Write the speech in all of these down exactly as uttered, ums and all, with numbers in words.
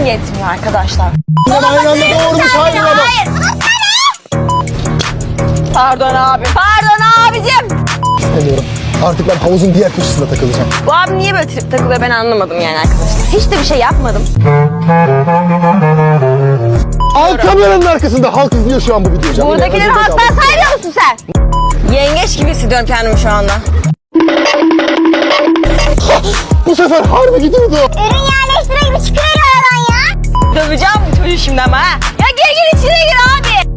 yetmiyor arkadaşlar. Ben aynı anda doğurmuş hayır ama. Hayır. Pardon abi. Pardon abicim. İstemiyorum. Artık ben havuzun diğer köşesinde takılacağım. Bu abi niye böyle trip takılıyor ben anlamadım yani arkadaşlar. Hiç de bir şey yapmadım. Al kameranın arkasında halk izliyor şu an bu videoyu. Canım Buradakileri ya, özür halktan dilerim. saymıyor musun sen? Yengeç gibi hissediyorum kendimi şu anda. Bu sefer harbi gidiyordu. Ürün yerleştire gibi çıkıyor oradan ya. Döveceğim bu çocuğu şimdi ama ha. Ya gir gir içine gir abi.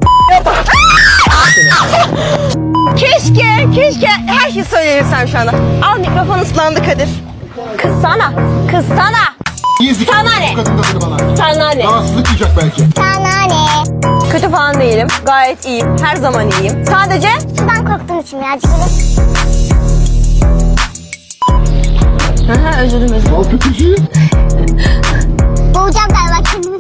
Keşke, keşke her şeyi söyleyebilsem şu anda. Al mikrofon ıslandı Kadir. Kızsana, kızsana. İyizik. Sana ne? Bu kadın da seni bana. Sana ne? Rahatsızlık duyacak belki. Sana ne? Kötü falan değilim. Gayet iyiyim. Her zaman iyiyim. Sadece Sudan korktuğum için birazcık öyle. Aha, özür dilerim özür dilerim. Al kötücüğü. Boğacağım galiba kendimi.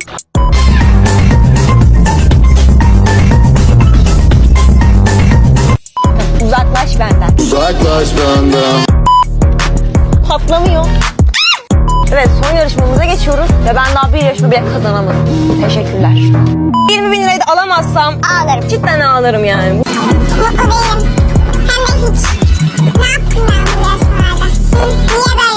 Uzaklaş benden. Uzaklaş benden. Patlamıyor. Evet, son yarışmamıza geçiyoruz ve ben daha bir yarışma bile kazanamadım. Teşekkürler. yirmi bin lirayı da alamazsam Ağlarım. cidden ağlarım yani. Mutlu değilim. Hem de hiç. Ne yaptın ben bu yaşlarda? Niye böyle